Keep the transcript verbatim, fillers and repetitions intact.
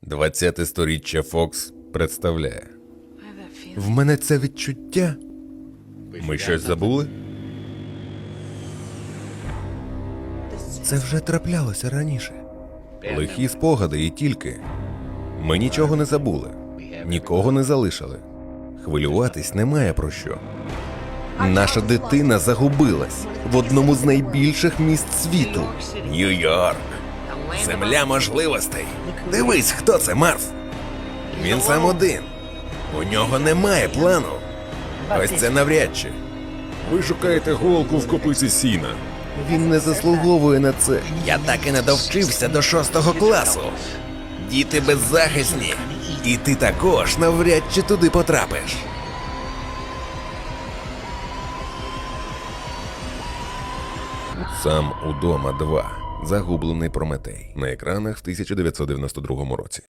двадцяте сторіччя Фокс представляє. В мене це відчуття. Ми щось забули? Це вже траплялося раніше. Лихі спогади і тільки. Ми нічого не забули. Нікого не залишили. Хвилюватись немає про що. Наша дитина загубилась в одному з найбільших міст світу. Нью-Йорк. Земля можливостей. Дивись, хто це, Марв. Він сам один. У нього немає плану. Ось це навряд чи. Ви шукаєте голку в копиці сіна. Він не заслуговує на це. Я так і не довчився до шостого класу. Діти беззахисні. І ти також навряд чи туди потрапиш. Сам удома два. Загублений Прометей. На екранах в тисяча дев'ятсот дев'яносто другому році.